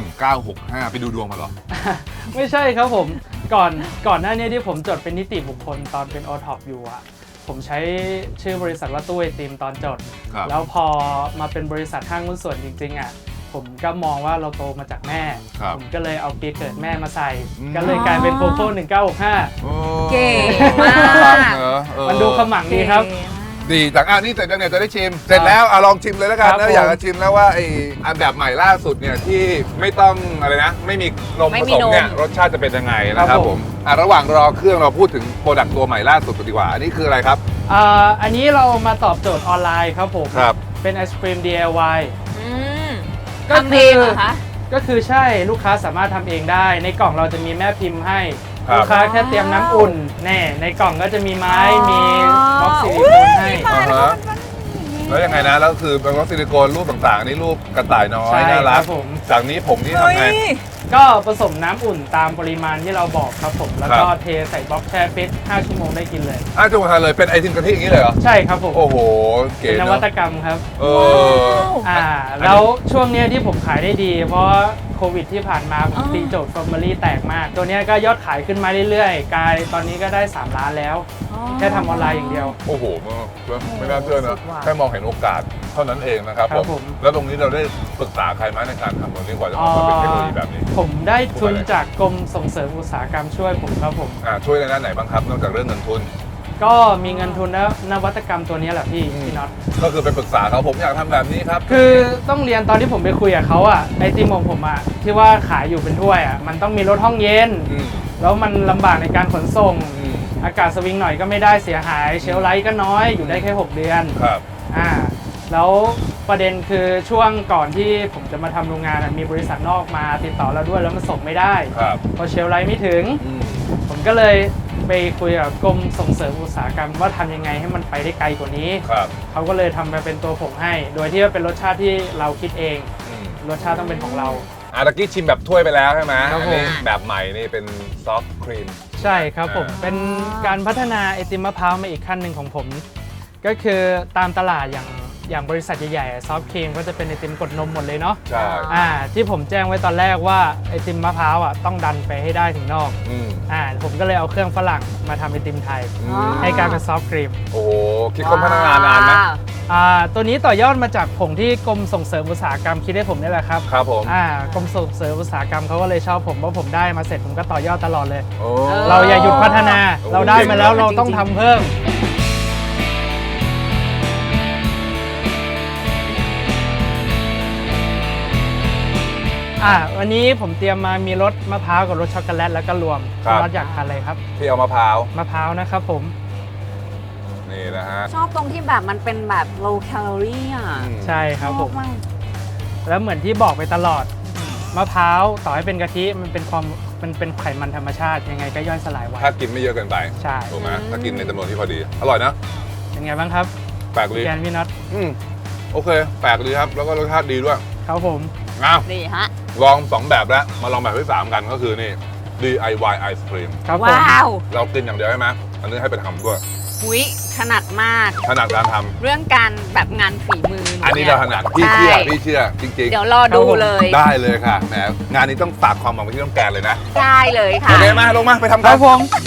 Speaker 2: 1965 ไปดูดวงมาเหรอ
Speaker 5: ไม่ใช่ครับผมก่อนหน้านี้ที่ผมจดเป็นนิติบุคคลตอนเป็นโอท็อปอยู่อะผมใช้ชื่อบริษัทว่าตู้ไอติมตอนจด
Speaker 2: ครับ
Speaker 5: แล้วพอมาเป็นบริษัทห้างหุ้นส่วนจริงๆอะผมก็มองว่าเราโตมาจากแม่
Speaker 2: ครับ
Speaker 5: ผมก็เลยเอาปีเกิดแม่มาใส่
Speaker 2: อืม
Speaker 5: ก็เลยกลายเป็นโคโค่1965
Speaker 2: โอ้
Speaker 3: เก่งมาก
Speaker 2: รัเนอะเออ
Speaker 5: มันดูขมังดีครับ
Speaker 2: ดีจากนี่เสร็จแล้วเนี่ยจะได้ชิม เสร็จแล้วลองชิมเลยแล้วกัน
Speaker 5: ครับ
Speaker 2: นะ
Speaker 5: ผม
Speaker 2: อยากจะชิมแล้วว่าไอ้อันแบบใหม่ล่าสุดเนี่ยที่ไม่ต้องอะไรนะ ไม่มีนม
Speaker 3: ไม่
Speaker 2: ผ
Speaker 3: มี
Speaker 2: สมเนี่ย
Speaker 3: นม
Speaker 2: รสชาติจะเป็นยังไงนะครับ
Speaker 5: ครับ
Speaker 2: ผ
Speaker 5: ผม ม
Speaker 2: ระหว่างรอเครื่องเราพูดถึงโปรดักต์ตัวใหม่ล่าสุดกันดีกว่า อันนี้คืออะไรครับ
Speaker 5: อันนี้เรามาตอบโจทย์ออนไลน์ครับผม
Speaker 2: ครับ
Speaker 5: เป็นไอศครีม DIY
Speaker 3: อืม
Speaker 5: ก็
Speaker 3: ทำเองเหรอคะ
Speaker 5: ก็คือใช่ลูกค้าสามารถทำเองได้ ในกล่องเราจะมีแม่พิมพ์ให้
Speaker 2: ครับ
Speaker 5: ลูกค้าแค่เตรียมน้ำอุ่นแน่ในกล่องก็จะมีไม้
Speaker 3: อ๋อ
Speaker 5: มีบล็อกซิลิโคนให้
Speaker 2: อ่าฮะแล้วยังไงนะแล้วคือเป็นวัสซิลิโคนรูปต่างๆอันนี่รูปกระต่ายน้อย
Speaker 5: ใช่
Speaker 2: น่า
Speaker 5: ค
Speaker 2: รั
Speaker 5: รั
Speaker 2: ก
Speaker 5: บผม
Speaker 2: จากนี้ผมนี่ทำไง
Speaker 5: ก็ผสมน้ำอุ่นตามปริมาณที่เราบอกครับผม แล้วก็
Speaker 2: ครับ
Speaker 5: เทใส่บล็อกแช่ฟิต5 ชั่วโมงได้กินเลย
Speaker 2: จังหวะเลยเป็นไอติมกะทิอย่างนี้เลยเหรอ
Speaker 5: ใช่ครับผม
Speaker 2: โอ้โหเก๋
Speaker 5: เป็นน
Speaker 2: เน
Speaker 5: วั
Speaker 2: อะ
Speaker 5: ตกรรมครับ
Speaker 2: เออ
Speaker 5: แล้วช่วงเนี้ยที่ผมขายได้ดี เพราะโควิดที่ผ่านมาผม
Speaker 3: อ๋อ
Speaker 5: ตีโจทย์ฟอร์มารี่แตกมาก ตัวเนี้ยก็ยอดขายขึ้นมาเรื่อยๆ กลายตอนนี้ก็ได้ 3 ล้านแล้ว แค่ทำออนไลน์อย่างเดียว
Speaker 2: โอ้โหไม่น่าเชื่อนะ
Speaker 3: สุดว่ะ
Speaker 2: แค่มองเห็นโอกาสเท่านั้นเองนะครับ
Speaker 5: ครับผม
Speaker 2: แล้วตรงนี้เราได้ปรึกษาใครไหมในการทำตรงนี้กว่าจะออกมาเป็นเทคโนโลยีแบบนี้
Speaker 5: ผมได้ทุนจากกรมส่งเสริมอุตสาหกรรมช่วยผมครับผม
Speaker 2: ช่วยในด้านไหนบ้างครับ นอกจากเรื่องเงินทุน
Speaker 5: ก็มีเงินทุนแล้วนวัตกรรมตัวนี้แหละพี่น็อต
Speaker 2: ก็คือไปปรึกษาเขาผมอยากทำแบบนี้ครับ
Speaker 5: คือต้องเรียนตอนที่ผมไปคุยกับเขาอะไอติมของผมอะที่ว่าขายอยู่เป็นถ้วยอะมันต้องมีรถห้องเย็น
Speaker 2: อืม
Speaker 5: แล้วมันลำบากในการขนส่ง
Speaker 2: อืม
Speaker 5: อากาศสวิงหน่อยก็ไม่ได้เสียหายเชลฟ์ไลท์ก็น้อยอยู่ได้แค่ 6 เดือน
Speaker 2: ครับ
Speaker 5: แล้วประเด็นคือช่วงก่อนที่ผมจะมาทำโรงงานอะมีบริษัทนอกมาติดต่อเราด้วยแล้วมันส่งไม่ได้
Speaker 2: ครับ
Speaker 5: พอเชลฟ์ไลท์ไม่ถึง
Speaker 2: อืม
Speaker 5: ผมก็เลยไปคุยกับกรมส่งเสริมอุตสาหกรรมว่าทำยังไงให้มันไปได้ไกลกว่านี้
Speaker 2: ครับ
Speaker 5: เขาก็เลยทำมาเป็นตัวผงให้ โดยที่ว่าเป็นรสชาติที่เราคิดเอง
Speaker 2: อืม
Speaker 5: รสชาติต้องเป็นของเรา
Speaker 2: ตะกี้ชิมแบบถ้วยไปแล้วใช่ไหม
Speaker 5: ครับ
Speaker 2: อั
Speaker 5: ผม
Speaker 2: นี้แบบใหม่นี่เป็นซอฟต์ครีม
Speaker 5: ใช่ครับผม เป็นการพัฒนาไอติมมะพร้าวมาอีกขั้นหนึ่งของผม ก็คือตามตลาดอย่างบริษัทใหญ่ๆซอฟต์ครีมก็จะเป็นไอติมกดนมหมดเลยเนาะ
Speaker 2: ใช่
Speaker 5: ที่ผมแจ้งไว้ตอนแรกว่าไอติมมะพร้าวต้องดันไปให้ได้ถึงนอก
Speaker 2: อืม
Speaker 5: ผมก็เลยเอาเครื่องฝรั่งมาทำไอติมไทย
Speaker 2: อืม
Speaker 5: ให้กลายเป็นซอฟต์ครีม
Speaker 2: โอ้โหคิดค้นพัฒนานานไหม
Speaker 5: ตัวนี้ต่อยอดมาจากผงที่กรมส่งเสริมอุตสาหกรรมคิดให้ผมนี่แหละครับ
Speaker 2: ครับผม
Speaker 5: กรมส่งเสริมอุตสาหกรรมเขาก็เลยชอบผมเพราะผมได้มาเสร็จผมก็ต่อยอดตลอดเลย
Speaker 2: โอ้
Speaker 5: เราอย่าหยุดพัฒนา
Speaker 2: โอ้
Speaker 5: เราได้มาแล้วเราต้องทำเพิ่ม
Speaker 2: อ
Speaker 5: วันนี้ผมเตรียมมามีรสมะพร้าวกับรสช็อกโกแลตแล้วก็รวม
Speaker 2: ครับ
Speaker 5: รสอยากทานอะไรครับ
Speaker 2: ที่เอามะพร้าว
Speaker 5: มะพร้าวนะครับผม
Speaker 2: นี่นะฮะ
Speaker 3: ชอบตรงที่แบบมันเป็นแบบ low calorie อ่ะ
Speaker 5: ใช่ครับผม
Speaker 3: ชอาก
Speaker 5: แล้วเหมือนที่บอกไปตลอดมะพร้าวต่อให้เป็นกะทิมันเป็นไขมันธรรมชาติยังไงก็ย่อยสลายไว
Speaker 2: ถ้ากินไม่เยอะเกินไป
Speaker 5: ใช่
Speaker 2: ถูกไหมถ้ากินในจำนวนที่พอดี อร่อยนะ
Speaker 5: เป็นไงบ้างครับ
Speaker 2: แปลกดี
Speaker 5: แกนพี่น็อต
Speaker 2: โอเค แปลกดีครับ แล้วก็รสชาติดีด้วย
Speaker 5: ครับผม
Speaker 2: อ้าว
Speaker 3: ดีฮะ
Speaker 2: ลอง 2 แบบแล้ว มาลองแบบที่ 3 กันก็คือนี่ DIY ไอศครีม
Speaker 5: ครับผม
Speaker 3: ว้าว
Speaker 2: เรากินอย่างเดียวใช่ไหมอันนี้ให้ไปทำด้วย
Speaker 3: อุ๊ยถนัดมาก
Speaker 2: ถนัดการทำ
Speaker 3: เรื่องการแบบงานฝีมือ
Speaker 2: อันนี้
Speaker 3: ย
Speaker 2: เราถนัดพี่เชื่อ
Speaker 3: ใช่
Speaker 2: พี่เชื่อจริง
Speaker 3: เดี๋ยวรอดูเลย
Speaker 2: ๆ ได้เลยค่ะแหมงานนี้ต้องฝากความหวังไว้ที่น้องแกนเลยนะ
Speaker 3: ได้เลย
Speaker 2: โอ
Speaker 3: ค่ะ
Speaker 2: เคมาลงมาไปทำ
Speaker 5: ค
Speaker 2: กั
Speaker 5: รั
Speaker 2: น
Speaker 5: บผม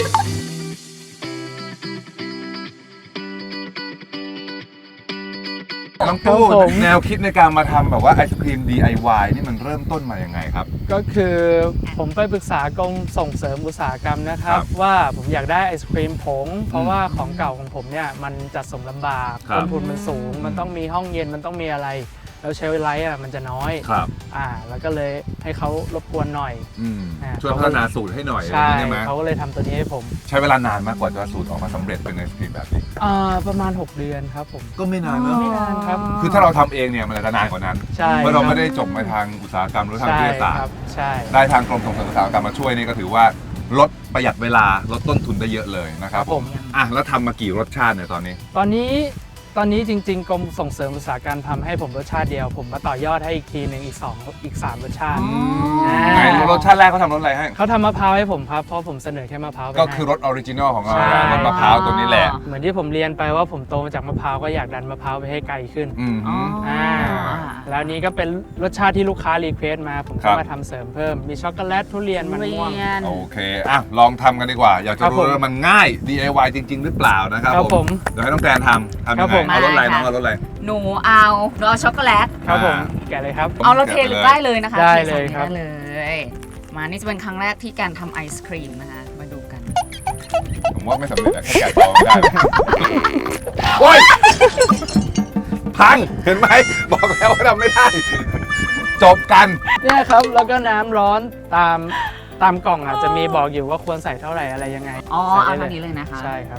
Speaker 2: น้องตู้
Speaker 5: ครับผม
Speaker 2: แนวคิดในการมาทำแบบว่าไอศครีม DIY นี่มันเริ่มต้นมาอย่างไงครับ
Speaker 5: ก็คือผมไปปรึกษากรมส่งเสริมอุตสาหกรรมนะครับ
Speaker 2: ครับ
Speaker 5: ว่าผมอยากได้ไอศครีมผงเพราะว่าของเก่าของผมเนี่ยมันจัดส่งลำบาก
Speaker 2: ครับ
Speaker 5: ต้นทุนมันสูง มันต้องมีห้องเย็นมันต้องมีอะไร แล้วเชลฟ์ไลท์มันจะน้อย
Speaker 2: ครับ
Speaker 5: แล้วก็เลยให้เขารบกวนหน่อย
Speaker 2: ช่วยพัฒนาสูตรให้หน่อย
Speaker 5: ใช่
Speaker 2: ใช่ไหม
Speaker 5: เขาก็เลยทำตัวนี้ให้ผม
Speaker 2: ใช้เวลานานมากกว่าจะสูตรออกมาสำเร็จเป็นไอศครีมแบบนี้
Speaker 5: ประมาณ 6 เดือนครับผม
Speaker 2: ก็ไม่นานเนอะ
Speaker 5: ไม่นานครับ
Speaker 2: คือถ้าเราทำเองเนี่ยมันจะนานกว่านั้น
Speaker 5: ใช่
Speaker 2: เพราะเรา
Speaker 5: คบ
Speaker 2: ไม่ได้จบมาทางอุตสาหกรรมหรือทาง
Speaker 5: ใช่
Speaker 2: วิทยาศาสต
Speaker 5: ค
Speaker 2: ร์
Speaker 5: รับใช่
Speaker 2: ได้ทางกรมส่งเสริมอุตสาหกรรมมาช่วยนี่ก็ถือว่าลดประหยัดเวลาลดต้นทุนได้เยอะเลยนะครับ
Speaker 5: ครับผม
Speaker 2: แล้วทำมากี่รสชาติเนี่ยตอนนี้
Speaker 5: ตอนนี้จริงๆกรมส่งเสริมอุตสาหกรรมทำให้ผมรสชาติเดียว ผมมาต่อยอดให้อีกทีหนึ่งอีก 3 รสชาติ
Speaker 2: ไหนรสชาติแรกเขาทำรสอะไรให้
Speaker 5: เขาทำมะพร้าวให้ผมครับ เพราะผมเสนอแค่มะพร้าวไป
Speaker 2: ก็
Speaker 5: ให้
Speaker 2: คือรสออริจินอลของเรา
Speaker 5: ใช่
Speaker 2: รสมะพร้าวตัวนี้แหละ
Speaker 5: เหมือนที่ผมเรียนไปว่าผมโตมาจากมะพร้าวก็อยากดันมะพร้าวไปให้ไกลขึ้น
Speaker 2: อืม
Speaker 3: อ๋ออ่
Speaker 5: าแล้วนี้ก็เป็นรสชาติที่ลูกค้ารีเควสต์มา ผม
Speaker 2: ครั
Speaker 5: ก็
Speaker 2: บ
Speaker 5: มาทำเสริมเพิ่ม มีช็อกโกแลตทุเรียนมันม่วง
Speaker 3: เรียน
Speaker 2: โอเคลองทำกันดีกว่า อยากจะ
Speaker 5: ครับ
Speaker 2: รู้
Speaker 5: ผม
Speaker 2: ว่ามันง่าย DIY จริง ๆ หรือเปล่านะครับ
Speaker 5: ครับผม
Speaker 2: เดี๋ยวให้น้องแกนทำ
Speaker 5: ครั
Speaker 2: ยั
Speaker 5: บ
Speaker 2: ง
Speaker 5: ผ
Speaker 2: ไง
Speaker 5: ม
Speaker 2: เอารสอะไร
Speaker 3: ได้
Speaker 2: น้อง
Speaker 3: ค่ะ
Speaker 2: เอารสอะไร
Speaker 3: หนูเอารอช็อกโกแลต
Speaker 5: ครับผม
Speaker 2: อ่า
Speaker 5: แกะเลยครับ
Speaker 3: เอาเราเทหรือได้เลยนะคะ
Speaker 5: ได้
Speaker 3: ท
Speaker 5: เลยครับ
Speaker 3: ได้เลย มานี่จะเป็นครั้งแรกที่การทำไอศครีมนะคะ มาดูกัน
Speaker 2: ผมว่าไม่สำเร็จอะแค่แกะกรองไม่ได้โอ้ยพังเห็นไหมบอกแล้วว่าทำไม่ได้ จบกัน
Speaker 5: เนี่ยครับ แล้วก็น้ำร้อนตามกล่องจะมีบอกอยู่ว่าควรใส่เท่าไหร่อะไรยังไง
Speaker 3: อ๋อ
Speaker 5: ใส่
Speaker 3: เอา
Speaker 5: ได้
Speaker 3: เท่านี้เลยนะคะ
Speaker 5: ใช่ครับ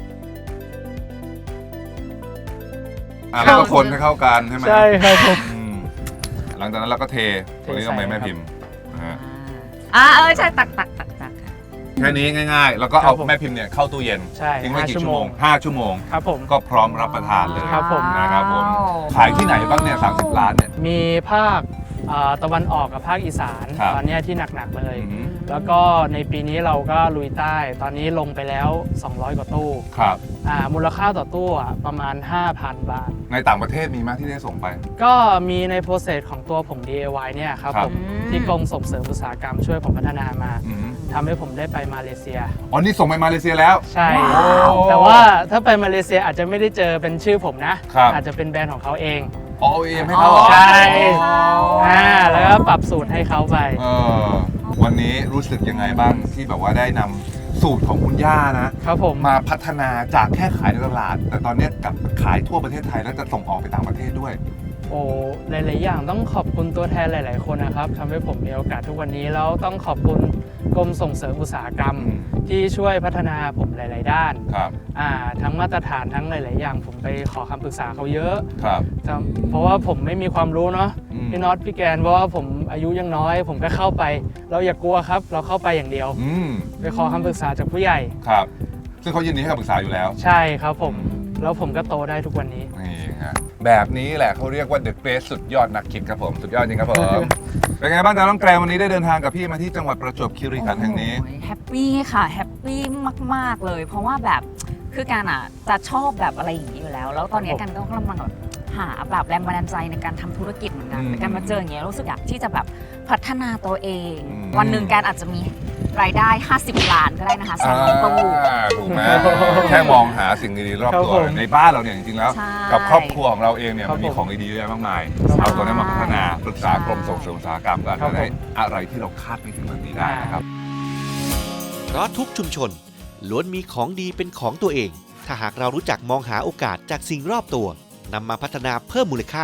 Speaker 2: แล้วก็คนให้เข้ากันใช่ไหม
Speaker 5: ใช่ครับผม
Speaker 2: อืมหลังจากนั้นเราก็เทตัวนี้ลงไปแม่พิมพ์นะฮะ
Speaker 3: ใช่ตักค่ะ
Speaker 2: แค่นี้ง่ายๆ แล้วก็เอา
Speaker 5: ครับผม
Speaker 2: แม่พิมพ์เนี่ยเข้าตู้เย็น
Speaker 5: ใช่
Speaker 2: ทิ้งไว้
Speaker 5: 5
Speaker 2: กี่
Speaker 5: ชั่
Speaker 2: ชั่
Speaker 5: ว
Speaker 2: ว
Speaker 5: โม
Speaker 2: โม
Speaker 5: ง
Speaker 2: ง5 ชั่วโมง
Speaker 5: ครับผม
Speaker 2: ก็พร้อมรับประทานเลย
Speaker 5: ครับผม
Speaker 2: นะครับผมขายที่ไหนบ้างเนี่ย30 ล้านเนี่ย
Speaker 5: มีภาคตะวันออกกับภาคอีสาน
Speaker 2: ครับ
Speaker 5: ตอนเนี้ยที่หนักๆเลย
Speaker 2: อืม
Speaker 5: แล้วก็ในปีนี้เราก็ลุยใต้ ตอนนี้ลงไปแล้ว 200 กว่าตู้
Speaker 2: ครับ
Speaker 5: มูลค่าต่อตู้ประมาณ 5,000 บาท
Speaker 2: ในต่างประเทศมีไหมที่ได้ส่งไป
Speaker 5: ก็มีในโปรเซสของตัวผม DIY เนี่ยครับ
Speaker 2: ครับ
Speaker 5: ผมที่กรมส่งเสริมอุตสาหกรรมช่วยผมพัฒนามา
Speaker 2: อืม
Speaker 5: ทำให้ผมได้ไปมาเลเซีย
Speaker 2: อ๋อนี่ส่งไปมาเลเซียแล้ว
Speaker 5: ใช่
Speaker 2: ว้าว
Speaker 5: แต่ว่าถ้าไปมาเลเซียอาจจะไม่ได้เจอเป็นชื่อผมนะ
Speaker 2: ครับ
Speaker 5: อาจจะเป็นแบรนด์ของเขาเอง
Speaker 2: อ๋อ OEM ให้เขาเหรอ
Speaker 5: ใช่ แล้วก็ปรับสูตรให้เขาไป
Speaker 2: เออวันนี้รู้สึกยังไงบ้างที่แบบว่าได้นำสูตรของคุณย่านะ
Speaker 5: ครับผม
Speaker 2: มาพัฒนาจากแค่ขายในตลาด แต่ตอนนี้กลับขายทั่วประเทศไทยแล้วจะส่งออกไปต่างประเทศด้วย
Speaker 5: โอ้หลายๆอย่างต้องขอบคุณตัวแทนหลาย ๆ คนนะครับทำให้ผมมีโอกาสทุกวันนี้แล้วต้องขอบคุณกรมส่งเสริมอุตสาหกรรม
Speaker 2: อืม
Speaker 5: ที่ช่วยพัฒนาผมหลาย ๆ ด้าน
Speaker 2: ครับ
Speaker 5: ทั้งมาตรฐานทั้งหลาย ๆ อย่าง ผมไปขอคำปรึกษาเขาเยอะ
Speaker 2: ครับ
Speaker 5: เพราะว่าผมไม่มีความรู้เนาะ
Speaker 2: อืม
Speaker 5: พี่น็อตพี่แกนเพราะว่าผมอายุยังน้อย ผมก็เข้าไป เราอย่ากลัวครับ เราเข้าไปอย่างเดียว
Speaker 2: อืม
Speaker 5: ไปขอคำปรึกษาจากผู้ใหญ่
Speaker 2: ครับ ซึ่งเขายินดีให้คำปรึกษาอยู่แล้ว
Speaker 5: ใช่ครับผมแล้วผมก็โตได้ทุกวันนี้
Speaker 2: นี่ฮะแบบนี้แหละเขาเรียกว่า The Great สุดยอดนักคิดครับผม สุดยอดจริงครับผม เป็นไงบ้างจ๊ะน้องแกรนวันนี้ได้เดินทางกับพี่มาที่จังหวัดประจวบคีรีขันธ์แห่งนี้
Speaker 3: โอ้ยแฮปปี้ค่ะแฮปปี้มาก ๆ เลย เพราะว่าแบบคือการจะชอบแบบอะไรอย่างนี้อยู่แล้ว แล้วตอนนี้กันก็กำลังแบบหาแบบแรงบันดาลใจในการทำธุรกิจเหมือนกัน
Speaker 2: อืม
Speaker 3: แต่การมาเจออย่างเงี้ยรู้สึกอยากที่จะแบบพัฒนาตัวเอง
Speaker 2: อืม
Speaker 3: วันหนึ่งการอาจจะมีรายได้ 50 ล้านก็ได้นะคะ2ตู้
Speaker 2: ถูกไหมแค่มองหาสิ่งดีๆรอบ
Speaker 5: ครับ
Speaker 2: ตัว
Speaker 5: ผม
Speaker 2: ในบ้านเราเนี่ยจริงๆแล้ว
Speaker 3: ใช่
Speaker 2: กับครอบครัวของเราเองเนี่ย
Speaker 5: ครับ
Speaker 2: มันมี
Speaker 5: ผม
Speaker 2: ของดีๆเยอะมากมาย
Speaker 3: ใช่
Speaker 2: เอาตัวนั้นมาพัฒนาปรึกษากรมส่งเสริมอุตสาหกรรมกัน
Speaker 5: ครับ
Speaker 2: ได้
Speaker 5: ผม
Speaker 2: อะไรที่เราคาดไม่ถึงแบบนี้ได้นะครับ
Speaker 1: เพราะทุกชุมชนล้วนมีของดีเป็นของตัวเอง ถ้าหากเรารู้จักมองหาโอกาสจากสิ่งรอบตัวนำมาพัฒนาเพิ่มมูลค่า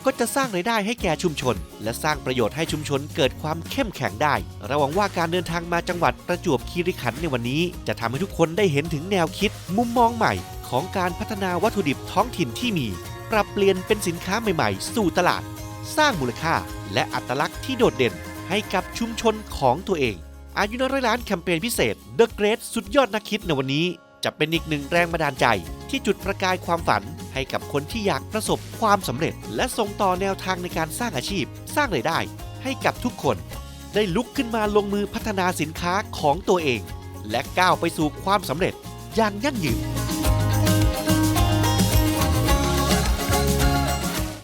Speaker 1: ก็จะสร้างรายได้ให้แก่ชุมชน และสร้างประโยชน์ให้ชุมชนเกิดความเข้มแข็งได้เราหวังว่าการเดินทางมาจังหวัดประจวบคีรีขันธ์ในวันนี้จะทำให้ทุกคนได้เห็นถึงแนวคิดมุมมองใหม่ของการพัฒนาวัตถุดิบท้องถิ่นที่มีปรับเปลี่ยนเป็นสินค้าใหม่ๆสู่ตลาดสร้างมูลค่าและอัตลักษณ์ที่โดดเด่นให้กับชุมชนของตัวเองอายุน้อยร้อยล้านแคมเปญพิเศษ The Great สุดยอดนักคิดในวันนี้จะเป็นอีกหนึ่งแรงบันดาลใจที่จุดประกายความฝันให้กับคนที่อยากประสบความสำเร็จและส่งต่อแนวทางในการสร้างอาชีพสร้างรายได้ให้กับทุกคนได้ลุกขึ้นมาลงมือพัฒนาสินค้าของตัวเองและก้าวไปสู่ความสำเร็จอย่างยั่งยืน